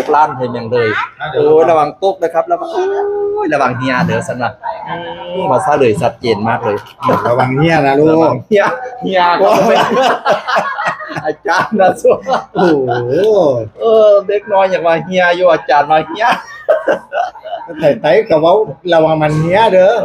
กล้านเห็นอย่างเลยโอ้ยระวังตกนะครับระวังโอ้ยระวังเฮียเด้อสันนะภาษาเลยชัดเจนมากเลยระวังเหี้ยนะลูระวักงเฮียก็เป็นอาจารย์นะส่วนโอ้โหเด็กน้อยอย่างว่าเฮียอยู่อาจารย์มาเฮียไต่กับว่าระวังมันเหี้ยเด้อ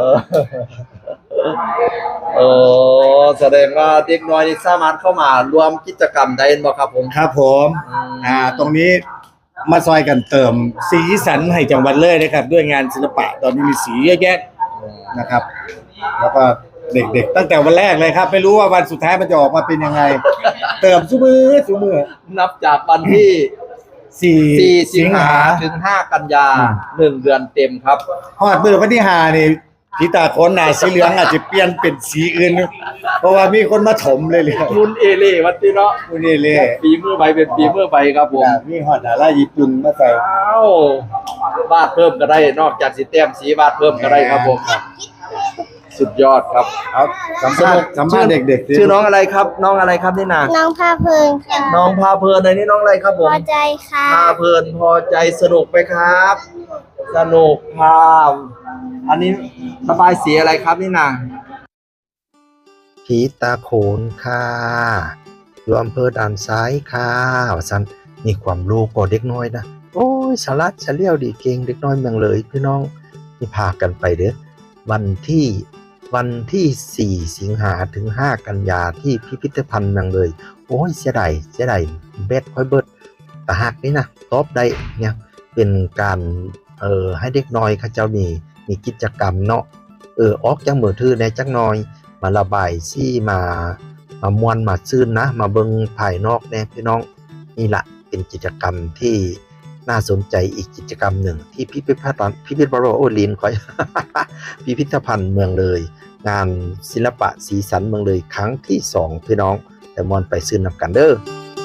แสดงว่าเด็กน้อยนี่สามารถเข้ามารวมกิจกรรมได้บ่ครับผมครับผมตรงนี้มาซอยกันเติมสีสันให้จังหวัดเลยนะครับด้วยงานศิลปะตอนนี้มีสีเยอะแยะนะครับ แล้วก็เด็กๆตั้งแต่วันแรกเลยครับไม่รู้ว่าวันสุดท้ายมันจะออกมาเป็นยังไง เติมซุมือนับจากวันที่ 4 สิงหาถึง5กันยา1 เดือนเต็มครับฮอดมือวันที่5นี่ผีตาโคนหน้าสีเหลืองอาจจะเปลี่ยนเป็นสีอื่น เพราะว่ามีคนมาถมเลยมุนเอเล่วันที่เนาะคุณนี่เลยปีมือไปเป็นปีมือไปครับผมมีฮอดดาราญี่ปุ่นมาใส่อ้าววาดเพิ่มก็ได้นอกจากสีแต้มสีวาดเพิ่มก็ได้ครับผมสุดยอดครับเอาสัมภาษณ์เด็กๆชื่อน้องอะไรครับ น้องอะไรครับนี่นาน้องพาเพลินค่ะน้องพาเพลินในนี้น้องอะไรครับผพมอใจค่ะพาเพลินพอใจสนุกไหมครับ สนุกครับอันนี้ระบายสีอะไรครับนี่นาผีตาโขนค่ะอยู่อำเภอด่านซ้ายค่ะว่าซั่นมีความรู้กว่าเด็กน้อยนะโอ้ยฉลาดเฉลียวดีเก่งเด็กน้อยเมืองเลยพี่น้องนี่พากันไปเด้อวันที่4 สิงหาถึง5 กันยาที่พิพิธภัณฑ์เมืองเลยโอ้ยเสียดายเบ็ดค่อยเบิดแต่หากนี่นะตอบได้เนี่ยเป็นการให้เด็กน้อยเขาเจ้ามีกิจกรรมเนาะออกจากมือถือในจักหน่อยมาระบายซี่มามวนมาซื่นนะมาเบิ่งภายนอกแน่พี่น้องนี่ละเป็นกิจกรรมที่น่าสนใจอีกกิจกรรมหนึ่งที่พิพิธภัณฑ์โอลินคอย พิพิธภัณฑ์เมืองเลยงานศิลปะสีสันเมืองเลยครั้งที่2พี่น้องแต่มวนไปซื้อนำกันเด้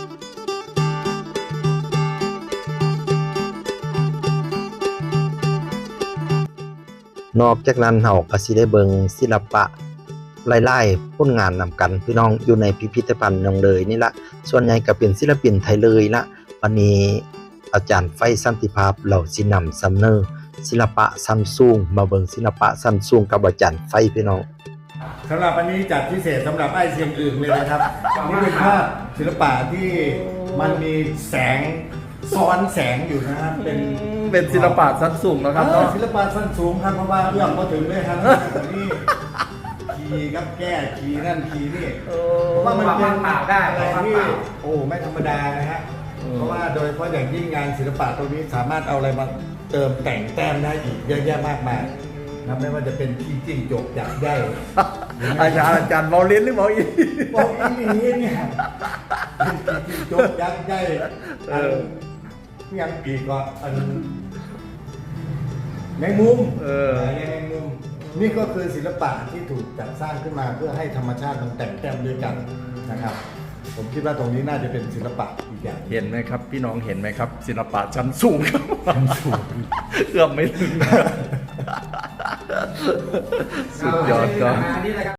อนอกจากนั้นเฮาก็สิได้เบิ่งศิลปะหลายๆผลงานนำกันพี่น้องอยู่ในพิพิธภัณฑ์เมืองเลยนี่ละส่วนใหญ่ก็เป็นศิลปินไทยเลยละวันนี้อาจารย์ไฟสันติภาพเราสินำเสนอศิลปะซันซุงมาเบิ่งศิลปะซันซุงกับอาจารย์ไฟพี่น้องสำหรับวันนี้จัดพิเศษสำหรับไอ้เสียงอื่นเลยนะครับนี่เป็นภาพศิลปะที่มันมีแสงซ้อนแสงอยู่นะครับเป็นศิลปะซันซุงนะครับศิลปะสั้นสูงครับเพราะว่าเรื่องมาถึงเลยครับนี่ขี่ครับแก้ขี่นั่นขี่นี่ว่ามันเป็นอะไรที่โอ้ไม่ธรรมดานะฮะเพราะว่าโดยเฉพาะอย่างยิ่งงานศิลปะตรงนี้สามารถเอาอะไรมาเติมแต่งแต้มได้อีกเยอะแยะมากมายนะไม่ว่าจะเป็นขี้จิ้งจกอยากได้อาจารย์เมาเล่นหรือเมาอีบอกอีนี่เนี่ยขี้จิ้งจกอยากได้ยังปีกก็แมงมุมแมงมุมนี่ก็คือศิลปะที่ถูกจัดสร้างขึ้นมาเพื่อให้ธรรมชาติมันแต่งแต้มด้วยกันนะครับผมคิดว่าตรงนี้น่าจะเป็นศิลปะอีกอย่างเห็นไหมครับพี่น้องเห็นไหมครับศิลปะชั้นสูงครับเอื้อมไม่ถึงสุดยอดครับ